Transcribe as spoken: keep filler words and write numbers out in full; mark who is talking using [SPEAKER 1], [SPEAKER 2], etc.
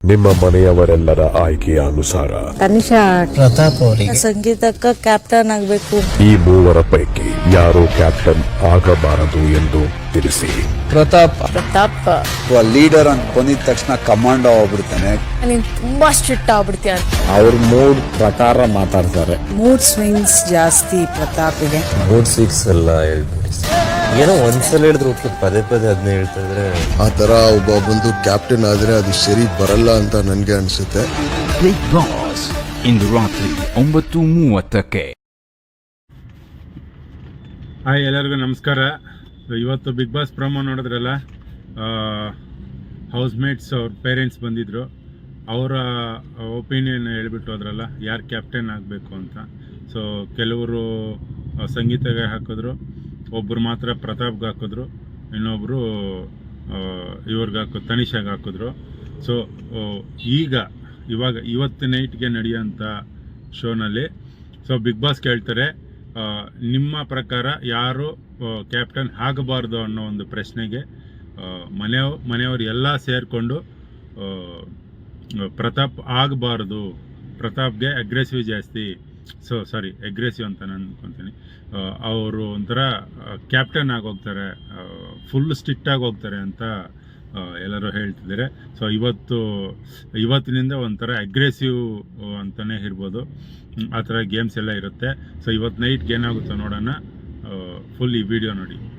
[SPEAKER 1] ನಿಮ್ಮ ಮನೆಯವರೆಲ್ಲರ ಆಯ್ಕೆಯ ಅನುಸಾರ
[SPEAKER 2] ತನಿಷಾ
[SPEAKER 3] ಪ್ರತಾಪ್ ಅವರಿಗೆ
[SPEAKER 2] ಸಂಗೀತಕ್ಕ ಕ್ಯಾಪ್ಟನ್ ಆಗ್ಬೇಕು.
[SPEAKER 1] ಈ ಮೂವರ ಪೈಕಿ ಯಾರು ಕ್ಯಾಪ್ಟನ್ ಆಗಬಾರದು ಎಂದು ತಿಳಿಸಿ.
[SPEAKER 3] ಪ್ರತಾಪ್
[SPEAKER 2] ಪ್ರತಾಪ್
[SPEAKER 4] ಲೀಡರ್ ಅಂತ ಬಂದಿದ ತಕ್ಷಣ ಕಮಾಂಡ್ ಆಗ್ಬಿಡ್ತಾನೆ.
[SPEAKER 2] ನೀನ್ ತುಂಬಾ ಸ್ಟ್ರಿಕ್ಟ್ ಆಗ್ಬಿಡ್ತೀಯ.
[SPEAKER 3] ಅವ್ರ ಮೂಡ್ ಪ್ರಕಾರ ಮಾತಾಡ್ತಾರೆ.
[SPEAKER 2] ಮೂಡ್ ಸ್ವಿಂಗ್ಸ್ ಜಾಸ್ತಿ ಪ್ರತಾಪ್ಗೆ.
[SPEAKER 5] ಮೂಡ್ ಸಿಕ್ಸ್ ಎಲ್ಲ ಹೇಳ್ಬಿಡಿ. ಏನೋ ಒಂದ್ಸಲ ಹೇಳಿದ್ರು ಓಕೆ, ಪದೇ ಪದೇ ಅದನ್ನ ಹೇಳ್ತಾ ಇದ್ರೆ
[SPEAKER 6] ಆ ತರ ಒಬ್ಬ ಬಂದು ಕ್ಯಾಪ್ಟನ್ ಆದ್ರೆ ಅದು ಸರಿ ಬರಲ್ಲ ಅಂತ ನನ್ಗೆ ಅನ್ಸುತ್ತೆ.
[SPEAKER 7] ಬಿಗ್ ಬಾಸ್ ಇಂದು ರಾತ್ರಿ ಒಂಬತ್ತು ಮೂವತ್ತಕ್ಕೆ.
[SPEAKER 8] ಹಾಯ್, ಎಲ್ಲರಿಗೂ ನಮಸ್ಕಾರ. ಇವತ್ತು ಬಿಗ್ ಬಾಸ್ ಪ್ರೊಮೋ ನೋಡಿದ್ರಲ್ಲ, ಹೌಸ್ ಮೇಟ್ಸ್ ಅವ್ರ ಪೇರೆಂಟ್ಸ್ ಬಂದಿದ್ರು. ಅವರ ಒಪಿನಿಯನ್ ಹೇಳ್ಬಿಟ್ಟು ಹೋದ್ರಲ್ಲ ಯಾರು ಕ್ಯಾಪ್ಟನ್ ಆಗಬೇಕು ಅಂತ. ಸೊ ಕೆಲವರು ಸಂಗೀತಗೆ ಹಾಕಿದ್ರು, ಒಬ್ಬರು ಮಾತ್ರ ಪ್ರತಾಪ್ಗೆ ಹಾಕಿದ್ರು, ಇನ್ನೊಬ್ಬರು ಇವ್ರಿಗೆ ಹಾಕೋ ತನಿಷಾಗೆ ಹಾಕಿದ್ರು. ಸೊ ಈಗ ಇವಾಗ ಇವತ್ತು ನೈಟ್ಗೆ ನಡೆಯೋಂಥ ಶೋನಲ್ಲಿ ಸೊ ಬಿಗ್ ಬಾಸ್ ಕೇಳ್ತಾರೆ, ನಿಮ್ಮ ಪ್ರಕಾರ ಯಾರು ಕ್ಯಾಪ್ಟನ್ ಆಗಬಾರ್ದು ಅನ್ನೋ ಒಂದು ಪ್ರಶ್ನೆಗೆ ಮನೆಯವ್ ಮನೆಯವರು ಎಲ್ಲ ಸೇರಿಕೊಂಡು ಪ್ರತಾಪ್ ಆಗಬಾರ್ದು, ಪ್ರತಾಪ್ಗೆ ಅಗ್ರೆಸಿವ್ ಜಾಸ್ತಿ, ಸೊ ಸಾರಿ ಅಗ್ರೆಸಿವ್ ಅಂತ ನಾನು ಅನ್ಕೊತೀನಿ, ಅವರು ಒಂಥರ ಕ್ಯಾಪ್ಟನ್ ಆಗೋಗ್ತಾರೆ, ಫುಲ್ ಸ್ಟ್ರಿಕ್ಟಾಗಿ ಹೋಗ್ತಾರೆ ಅಂತ ಎಲ್ಲರೂ ಹೇಳ್ತಿದ್ದಾರೆ. ಸೊ ಇವತ್ತು ಇವತ್ತಿನಿಂದ ಒಂಥರ ಅಗ್ರೆಸಿವ್ ಅಂತಲೇ ಇರ್ಬೋದು, ಆ ಥರ ಗೇಮ್ಸ್ ಎಲ್ಲ ಇರುತ್ತೆ. ಸೊ ಇವತ್ತು ನೈಟ್ಗೆ ಏನಾಗುತ್ತೋ ನೋಡೋಣ. ಫುಲ್ ಈ ವಿಡಿಯೋ ನೋಡಿ.